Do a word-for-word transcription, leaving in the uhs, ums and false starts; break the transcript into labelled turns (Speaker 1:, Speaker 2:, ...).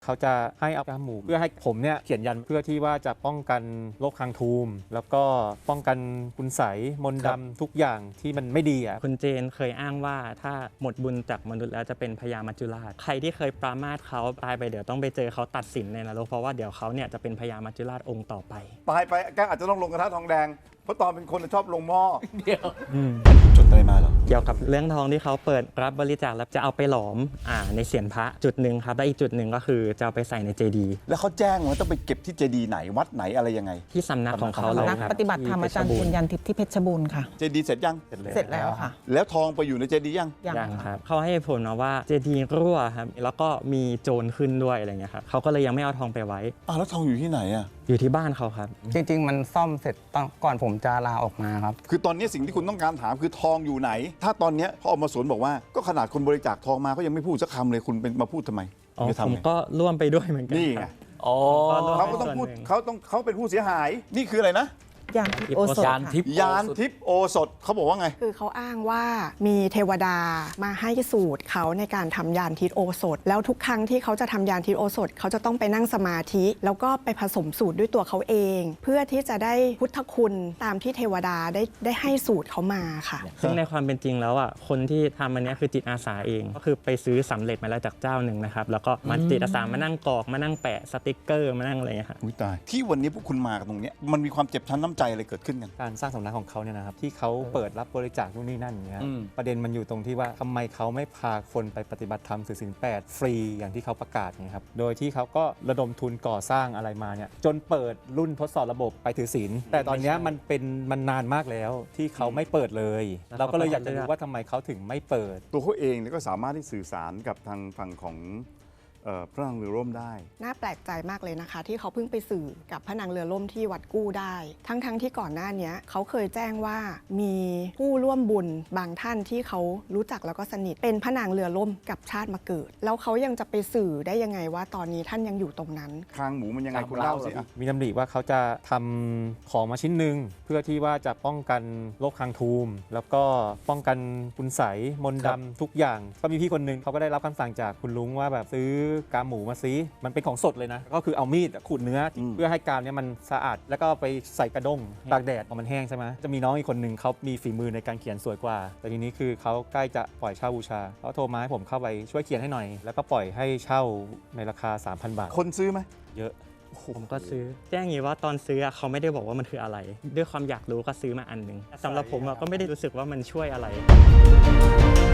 Speaker 1: เขาจะให้เอากาหมูเพื่อให้ผมเนี่ยเขียนยันเพื่อที่ว่าจะป้องกันโรคคางทูมแล้วก็ป้องกันคุณไสยมนต์ดำทุกอย่างที่มันไม่ดีอ่ะ
Speaker 2: คุณเจนเคยอ้างว่าถ้าหมดบุญจากมนุษย์แล้วจะเป็นพญามัจจุราชใครที่เคยปรามาสเขาตายไปเดี๋ยวต้องไปเจอเขาตัดสินในนรกเพราะว่าเดี๋ยวเขาเนี่ยจะเป็นพญามัจจุราชองค์ต่อไป
Speaker 3: ตายไปแกอาจจะต้องลงกระทะทองแดงเพราะตอนเป็นคนชอบลงหม้อ
Speaker 4: เดี๋ยว
Speaker 3: จดอะไรมาเหรอ
Speaker 2: เกี่ยวกับเรื่องทองที่เขาเปิดรับบริจาคแล้วจะเอาไปหลอมอ่าในเศียรพระจุดหนึ่งครับและอีกจุดหนึ่งก็คือจะเอาไปใส่ในเจดีย์
Speaker 3: แล้วเขาแจ้งว่าต้องไปเก็บที่เจดีย์ไหนวัดไหนอะไรยังไง
Speaker 2: ที่สำนักของเขาเลยครับ
Speaker 5: ปฏิบัติธรรมอาจารย์เทียนยันทิพย์ที่เพชรบูรณ์ค่ะ
Speaker 3: เจดีย์เสร็จยัง
Speaker 5: เสร็จแล้วค่ะ
Speaker 3: แล้วทองไปอยู่ในเจดีย์ยัง
Speaker 2: ยังครับเขาให้ผลมาว่าเจดีย์รั่วครับแล้วก็มีโจรขึ้นด้วยอะไรเงี้ยครับเขาก็เลยยังไม่เอาทองไปไว้
Speaker 3: อ้าวแล้วทองอยู่ที่ไหนอ่ะ
Speaker 2: อยู่ที่บ้านเขาครับ
Speaker 4: จริงๆมันซ่อมเสร็จตอนก่อนผมจะลาออกมาครับ
Speaker 3: คือตอนนี้สิ่งที่คุณต้องการถามคือทองอยู่ไหนถ้าตอนนี้เขาออกมาสวนบอกว่าก็ขนาดคนบริจาคทองมาก็ยังไม่พูดสักคำเลยคุณเป็นมาพูดทำไม
Speaker 2: อ๋อผมก็ร่วมไปด้วยเหมือนกัน
Speaker 3: นี่ไง
Speaker 4: อ๋อ
Speaker 3: เขาก็ต้องพูดเขาต้องเขาเป็นผู้เสียหายนี่คืออะไรนะ
Speaker 5: ยานทิพย์โอสถ
Speaker 4: ยานทิพย์
Speaker 3: ยานทิพย์โอสถเขาบอกว่าไง
Speaker 6: คือเขาอ้างว่ามีเทวดามาให้สูตรเขาในการทำยานทิพย์โอสถแล้วทุกครั้งที่เขาจะทำยานทิพย์โอสถเขาจะต้องไปนั่งสมาธิแล้วก็ไปผสมสูตรด้วยตัวเขาเอง เพื่อที่จะได้พุทธคุณตามที่เทวดาได้ได้ให้สูตรเขามาค่ะ
Speaker 2: ซึ่งในความเป็นจริงแล้วอ่ะคนที่ทำอันนี้คือจิตอาสาเองก็คือไปซื้อสำเร็จมาแล้วจากเจ้าหนึ่งนะครับแล้วก็มาจิตอาสามานั่งกรอกมานั่งแปะสติกเกอร์มานั่งอะไรอย่างเงี้ยครับ
Speaker 3: อุ้ยตายที่วันนี้พวกคุณมากันตรงนี้มันมีความเจ็บช้ำน้ำใจอะไรเกิดขึ้นกัน
Speaker 1: การสร้างสำนักของเขาเนี่ยนะครับที่เขาเปิดรับบริจาคนู่นนี่นั่นอย่างเงี้ยประเด็นมันอยู่ตรงที่ว่าทำไมเขาไม่พาคนไปปฏิบัติธรรมถือศีลแปดฟรีอย่างที่เขาประกาศเนี่ยครับโดยที่เขาก็ระดมทุนก่อสร้างอะไรมาเนี่ยจนเปิดรุ่นทดสอบระบบไปถือศีลแต่ตอนนี้มันเป็นมันนานมากแล้วที่เขาไม่เปิดเลยเราก็เลยอยากจะรู้ว่าทำไมเขาถึงไม่เปิด
Speaker 3: ตัวเขาเองเนี่ยก็สามารถที่สื่อสารกับทางฝั่งของพระนางเรือร่มได้
Speaker 6: น่าแปลกใจมากเลยนะคะที่เขาเพิ่งไปสื่อกับพระนางเรือร่มที่วัดกู้ได้ทั้งๆ ท, ที่ก่อนหน้านี้เขาเคยแจ้งว่ามีผู้ร่วมบุญบางท่านที่เขารู้จักแล้วก็สนิทเป็นพระนางเรือร่มกับชาติมาเกิดแล้วเขายังจะไปสื่อได้ยังไงว่าตอนนี้ท่านยังอยู่ตรงนั้น
Speaker 3: คางหมูมันยังไงคุณเล่าสิ
Speaker 1: มีดำริว่าเขาจะทำของมาชิ้นหนึ่งเพื่อที่ว่าจะป้องกันโรคคางทูมแล้วก็ป้องกันคุณไสยมนต์ดำทุกอย่างก็มีพี่คนนึงเขาก็ได้รับคำสั่งจากคุณลุงว่าแบบซื้อกาหมูมาซิมันเป็นของสดเลยนะก็คือเอามีดขูดเนื้อเพื่อให้กามเนี่ยมันสะอาดแล้วก็ไปใส่กระด้งตากแดดพอมันแห้งใช่ไหมจะมีน้องอีกคนนึงเขามีฝีมือในการเขียนสวยกว่าแต่ทีนี้คือเขาใกล้จะปล่อยเช่าบูชาเขาโทรมาให้ผมเข้าไปช่วยเขียนให้หน่อยแล้วก็ปล่อยให้เช่าในราคา สามพัน บาท
Speaker 3: คนซื้อไหม
Speaker 1: เยอะ
Speaker 2: ผมก็ซื้อแจ้งอย่างนี้ว่าตอนซื้อเขาไม่ได้บอกว่ามันคืออะไรด้วยความอยากรู้ก็ซื้อมาอันหนึ่งสำหรับผมก็ไม่ได้รู้สึกว่ามันช่วยอะไร